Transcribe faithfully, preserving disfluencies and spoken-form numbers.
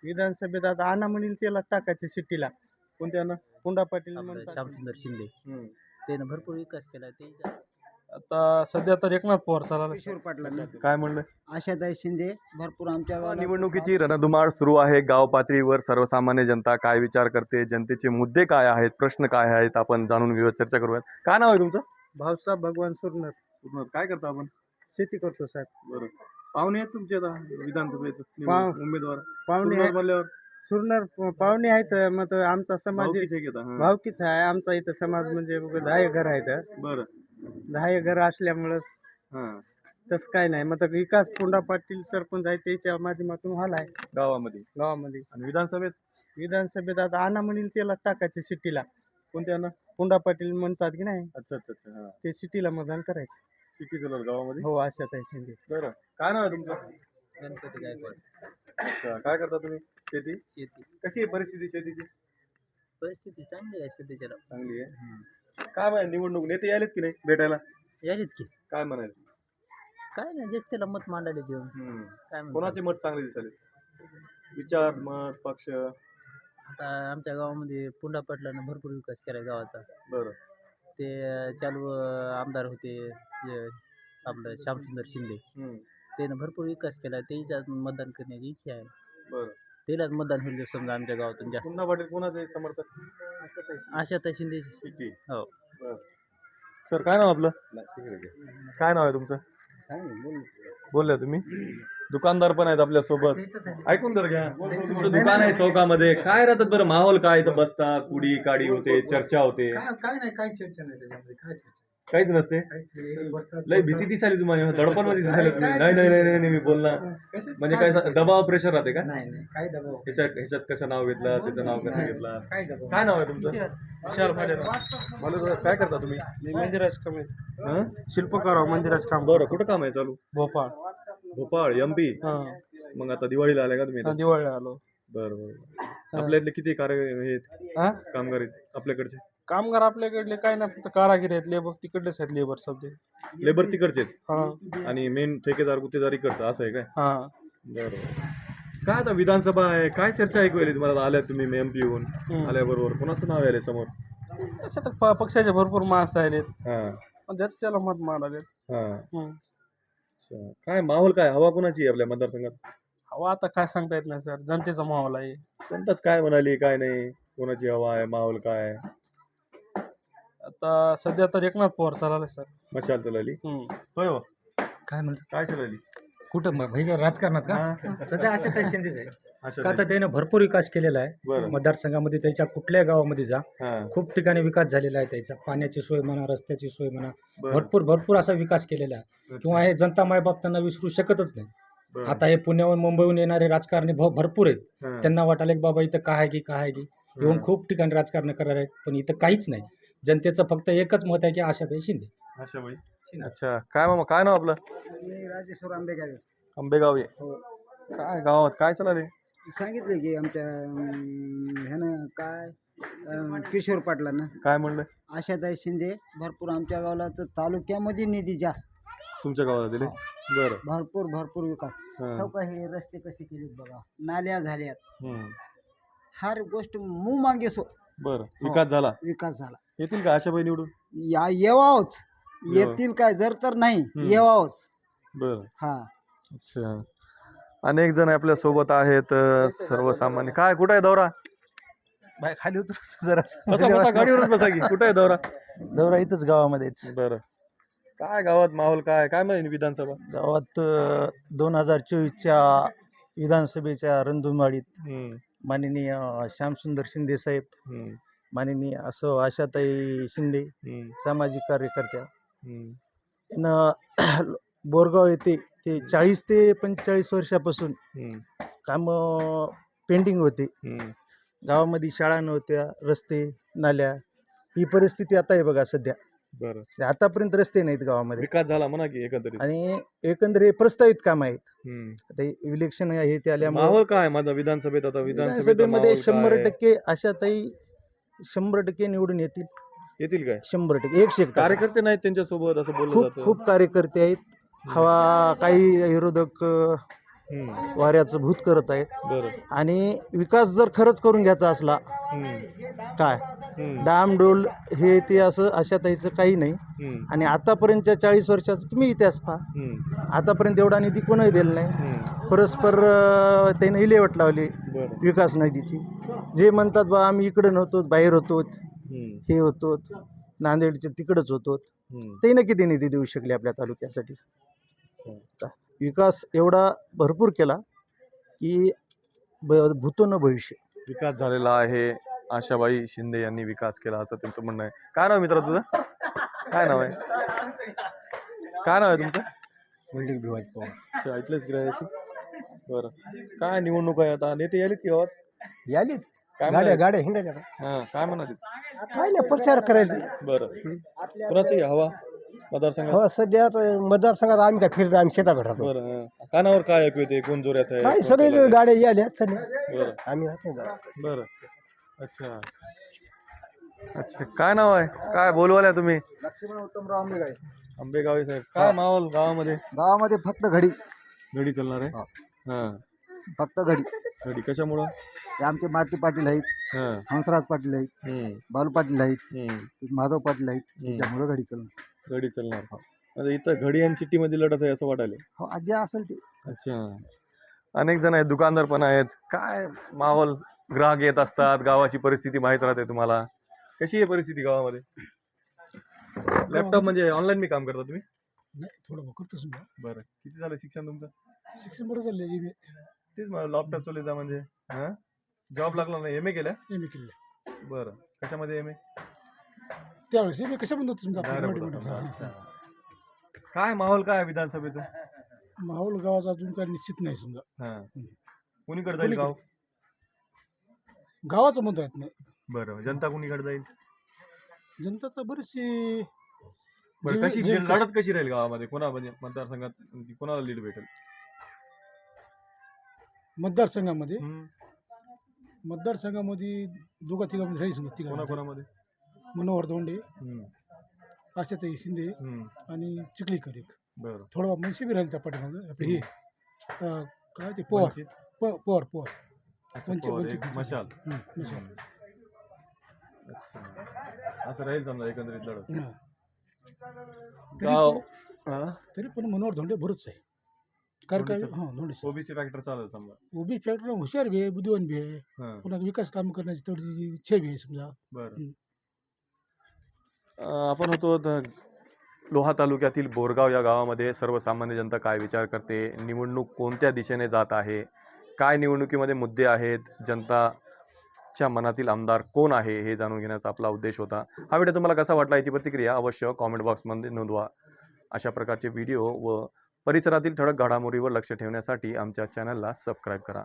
विधानसभेत आता आणा म्हणील त्याला टाकायचे सिटीला. कोणत्या ना पुंडा पाटील आपलं म्हणतात. श्यामसुंदर शिंदे हम्म. त्यानं भरपूर विकास केला ते आता सध्या तर एकनाथ पवार चालला. किशोर पाटलांना काय म्हणलं आशाताई शिंदे भरपूर आमच्या गावाला निवडणुकीची रणधुमाळ सुरू आहे. गाव पातळीवर सर्वसामान्य जनता काय विचार करते, जनतेचे मुद्दे काय आहेत, प्रश्न काय आहेत, आपण जाणून घेऊया, चर्चा करूयात. काय नाव आहे तुमचं? भाऊसाहेब भगवान सुरनर. पूर्ण काय करता आपण? शेती करतो साहेब. बरं. पाहुणे आहेत तुमचे आता विधानसभेत पाव- उमेदवार पाहुणे सुरुवात आहेत- बोलल्यावर सुरनर प- पाहुणे आहेत. मग तर आमचा समाज भाऊकीचे घेता, हां. भावकीच आहे. आमचा इथं समाज म्हणजे बघ, दहा एक घर आहेत. बरं. दहा एक घर असल्यामुळं हां. तसं काय नाही. मग तर विकास पुंडा पाटील सरपंच आहे त्याच्या माध्यमातून व्हायला आहे गावामध्ये गावामध्ये. आणि विधानसभेत विधानसभेत आता आणा म्हणील त्याला टाकायचे सिटीला. कोणत्या ना? पुंडा पाटील म्हणतात की नाही, अच्छा अच्छा अच्छा. हा. ते सिटीला मतदान करायचं. सिटी चलर गावामध्ये. हो आशाताई शिंदे. बरं. काय नाव आहे तुमचं? गणपती गायकवाड. अच्छा. काय करता तुम्ही? शेती. शेती कशी आहे परिस्थिती शेतीची? परिस्थिती चांगली आहे सध्याच्या चांगली आहे. काय म्हणाले निवडणूक नेते आलेत की नाही भेटायला? यालीत की काय म्हणाले? काय नाही जास्त त्याला मत मांडायला देऊन हम्म. काय म्हणतात. कोणाचे मत चांगले दिसाले? विचार, मत, पक्ष. आता आमच्या गावामध्ये पुंडा पाटलानं भरपूर विकास केला गावाचा. बरं. ते चालू अं, आमदार होते हे, आपलं श्यामसुंदर शिंदे हम्म. त्यानं भरपूर विकास केला. त्याच्यात मतदान करण्याची इच्छा आहे. बरं. त्यालाच मतदान होईल समजा आमच्या गावातून जास्त. पुन्हा पाटील कोणाचे समर्थक? आशाताई शिंदे. सिटी. हो. बरं. सर काय नाव आपलं? काय नाव आहे तुमचं? बोलल्या तुम्ही? दुकानदार पण आहेत आपल्या सोबत. ऐकून तर घ्या. तुमचं दुकान आहे चौकामध्ये. काय राहतात बरं माहोल काय? इथं बसता, कुडी काडी होते, चर्चा होते, काय काय नाही काही चर्चा नाही त्याच्यामध्ये काय चर्चा काहीच नसते. काहीच बसतात लय भीती दिसाली तुम्हाला, दडपण मध्ये दिसायला तुम्ही. नाही नाही नाही नाही नाही, मी बोलणार कशाच म्हणजे काय सा- दबाव प्रेशर राहते का? नाही नाही काय दबाव ह्याच्यात ह्याच्यात कसं नाव घेतलं, त्याचं नाव कसं घेतलं? काय दबाव काय नाव आहे तुमचं? विशाल भालेराव. मला जरा काय करता तुम्ही? मी मंदिराज काम हं? शिल्पकार मंदिराज काम. बरं. कुठं काम आहे चालू? भोपाळ. Bhopal M P. हा. मग आता दिवाळीला आले का तुम्ही इथं? दिवाळी आलो. बरं बरं. आपल्या इथले किती कार्य हे आहेत, हा कामगार आहेत आपल्याकडचे? कामगार आपल्याकडले काय नाही, फक्त कारागिरी आहेत. लेबर तिकडलेच आहेत. लेबर सध्या. लेबर तिकडचे आहेत हा आणि मेन ठेकेदार गुत्तेदार इकडचं असं आहे काय? हा. बरोबर. काय आता विधानसभा आहे, काय चर्चा ऐकू आली तुम्हाला? आल्या तुम्ही एम पी येऊन हम्म. आल्याबरोबर कोणाचं नाव आले समोर? तसं तर प- पक्षाचे भरपूर माणसं आहेत. हां पण ज्याचं त्याला मत माराले. हां. अच्छा. काय माहोल काय, हवा कोणाची आहे आपल्या मतदारसंघात? हवा आता काय सांगता येत नाही सर. जनतेचा माहोल आहे. जनताच काय म्हणाली काय नाही, कोणाची हवा आहे, माहोल काय आहे? आता सध्या तर एकनाथ पवार चालला सर. मशाल चलाली. हम्म. होय हो. काय म्हणतात काय चलाली? कुठं मग भाईच्या राजकारणात का हां. सध्या आशाताई शिंदेच आहे अशा का आता त्याने भरपूर विकास केलेला आहे बरं. मतदारसंघामध्ये. त्याच्या कुठल्या गावामध्ये जा हां. खूप ठिकाणी विकास झालेला आहे त्याचा. पाण्याची सोय म्हणा, रस्त्याची सोय म्हणा, बरं. भरपूर भरपूर असा विकास केलेला आहे किंवा हे जनता मायबाप त्यांना विसरू शकतच नाही. बरं. आता हे पुण्याहून मुंबईहून येणारे राजकारणी भ- भरपूर आहेत. हां. त्यांना वाटायला की बाबा इथं काय आहे की काय आहे की येऊन हां. खूप ठिकाणी राजकारण करणार आहेत, पण इथं काहीच नाही. जनतेचं फक्त एकच मत आहे की आशाताई शिंदे. अशा बाई. अच्छा. काय मामा काय नाव आपलं? मी राजेश्वर आंबेगावे. आंबेगाव आहे. हो. काय गावात काय चालले? सांगितलं की आमच्या अं, ह्यानं काय अं, किशोर पाटलांना काय म्हणलं? आशाताई शिंदे भरपूर आमच्या गावाला तर तालुक्यामध्ये निधी जास्त तुमच्या गावाला दिले? बरं. भरपूर भरपूर विकास. हां. हो का, हे रस्ते कसे केलेत बघा, नाल्या झाल्यात, हम्म. हर गोष्ट मू मागे सो बरं. विकास झाला. विकास झाला. येतील का आशाबाई निवडून? या येवावच येवा. येतील काय, जर तर नाही हम्म. येवावच. बरं. हा. अच्छा. अनेक जण आपल्या सोबत आहेत. अ, सर्वसामान्य. काय कुठं आहे दौरा? बाय खाली उतर जरा बसा बसा गाडीवरच बसा की. कुठं आहे दौरा? दौरा इथंच गावामध्येच. बरं. काय गावात माहोल काय काय माहिती विधानसभा? गावात दोन हजार चोवीसच्या विधानसभेच्या रणधुमाळीत हम्म. माननीय श्यामसुंदर शिंदे साहेब, हम्म. माननीय असो आशाताई शिंदे, हम्म. सामाजिक कार्यकर्त्या हम्म. यानं बोरगाव येथे ते चाळीस ते पंचेचाळीस वर्षापासून हम्म. कामं पेंडिंग होते. हम्म. गावामध्ये शाळा नव्हत्या, रस्ते नाल्या, ही परिस्थिती आता आहे बघा सध्या. बरं. आतापर्यंत रस्ते नाहीत गावामध्ये विकास झाला म्हणा की एकंदरीत. आणि एकंदर हे प्रस्तावित काम आहेत. हम्म. आता इलेक्शन हे ते आल्यामुळे माहोल काय माझा विधानसभेत? आता विधानसभेचा विधानसभेमध्ये माहोल शंभर काय? टक्के आशाताई शंभर टक्के निवडून येतील. येतील काय? शंभर टक्के एकशे एक टक्के. कार्यकर्ते नाहीत त्यांच्या सोबत असं बोललं खूप जातं. खूप कार्यकर्ते आहेत. हवा काही विरोधक अ, हम्म. वाऱ्याचं भूत करत आहेत. बरं. आणि विकास जर खरंच करून घ्यायचा असला हम्म. काय हम्म. डामडोल हे ते असं अशा ताईचं काही नाही. हम्म. आणि आतापर्यंतच्या चाळीस वर्षाचा तुम्ही इतिहास पहा, हम्म. आतापर्यंत एवढा निधी कोणही दिला नाही. हम्म. परस्पर अं, त्याने इलेवट लावली बरं. विकास निधीची. जे म्हणतात बा आम्ही इकडं नव्हतो, बाहेर होतो, हम्म. हे होतो, नांदेडचे तिकडंच होतो, हम्म. ते न किती निधी देऊ शकले आपल्या तालुक्यासाठी. का विकास एवढा भरपूर केला की ब भूतो न भविष्य. विकास झालेला आहे. आशाबाई शिंदे यांनी विकास केला असं त्यांचं म्हणणं आहे. काय नाव मित्र तुझं? काय नाव आहे? काय नाव आहे तुमचं? वैदिक भिवाजी पवार. अच्छा, इथलेच गिरायचं. बरं. काय निवडणूक आहे आता? नेते यालीत की गावात? यालीत काय गाड्या म्हणाले? गाड्या हिंडायच्या हा, काय म्हणाले? काय नाही प्रचार करायचा. बरं. कुणाची हवा मतदारसंघात? हो सध्या आता मतदारसंघात आम्ही काय फिरतो, आम्ही शेताकडे राहतो. बरं. हा. कानावर काय ऐकू येते? कोण जोऱ्यात आहे? काय कोण सगळे चालत आहे? गाड्या याल्या सध्या, बरं. आम्ही राहत नाही गावात. बरं. अच्छा. अच्छा, काय नाव आहे? काय बोलवाल्या तुम्ही? लक्ष्मण उत्तमराव आंबेगाव. आंबेगावी साहेब. काय माहोल गावामध्ये? गावामध्ये फक्त घडी, घडी चालणार आहे. हा. हा. फक्त घडी. घडी कशामुळं? हे आमचे मारुती पाटील आहेत, हा. हंसराज पाटील आहेत, हम्म. बालू पाटील आहेत, हम्म. माधव पाटील आहेत. हम्म. त्याच्यामुळे घडी चालणार. घडी चालणार. आता इथं घडी आणि सिटी मध्ये लढत आहे असं वाटायला. हो जे असेल ते. अच्छा. अनेक जण आहेत, दुकानदार पण आहेत. काय माहोल? ग्राहक येत असतात, गावाची परिस्थिती माहीत राहते तुम्हाला. कशी आहे परिस्थिती गावामध्ये? लॅपटॉप म्हणजे ऑनलाईन मी काम करता तुम्ही? नाही थोडं करतो समजा. बरं. किती झालं शिक्षण तुमचं? शिक्षण बरं चाललंय. तेच मला लॅपटॉप चालू म्हणजे हा जॉब लागला नाही. एम ए केलं? एम ए केलं. बरं. कशामध्ये एम ए? त्यावेळेस एम ए कशा म्हणतो समजा. अच्छा. काय माहोल काय आहे विधानसभेचं? माहोल गावाचा अजून काय निश्चित नाही समजा. हा. कुणीकडे जाईल गाव? गावाचं म्हणता येत नाही. बरं. जनता कुणीकडे जाईल? जनता तर बरीचशी बरं. जे- कशी जे- लढत कशी राहील गावामध्ये? कोणा म्हणजे मतदारसंघात कोणाला लीड भेटेल? मतदारसंघामध्ये हम्म. मतदारसंघामध्ये दोघा तिघामध्ये राहील समजा. कोणा तिघा कोणामध्ये? मनोहर धोंडे, हम्म. आशाताई शिंदे हम्म. आणि चिखलीकर एक. बरं. थोडा मनशी बी राहील त्या पाठीमागं. आपले हे अं, काय ते पवार वंचित? प- पवार पवार अच्छा, वंचित पवार, वंचित एक मशाल. हं, मशाल. अच्छा. असं राहील समजा एकंदरीत लढत. हां. गाव तरी पण- तरी पण मनोहर धोंडे बरंच आहे. कारण काय धोंडे हां धोंडे साहेब. ओबीसी फॅक्टर चालेल समजा. उभी फॅक्टर हुशार बी आहे, बुद्धिवान बी आहे, हा. पुन्हा विकास काम करण्याची तेवढी इच्छा बी आहे समजा. बरं. हम्म. अं, आपण होतो द- लोहा तालुक्यातील बोरगाव या गावामध्ये सर्वसामान्य जनता काय विचार करते, निवडणूक कोणत्या दिशेने जात आहे, काय निवडणुकीमध्ये मुद्दे आहेत, जनताच्या मनातील आमदार कोण आहे हे जाणून घेण्याचा आपला उद्देश होता. हा व्हिडिओ तुम्हाला कसा वाटला याची प्रतिक्रिया अवश्य कॉमेंट बॉक्समध्ये नोंदवा. अशा प्रकारचे व्हिडिओ व परिसरातील ठळक घडामोडीवर लक्ष ठेवण्यासाठी आमच्या चॅनलला सबस्क्राईब करा.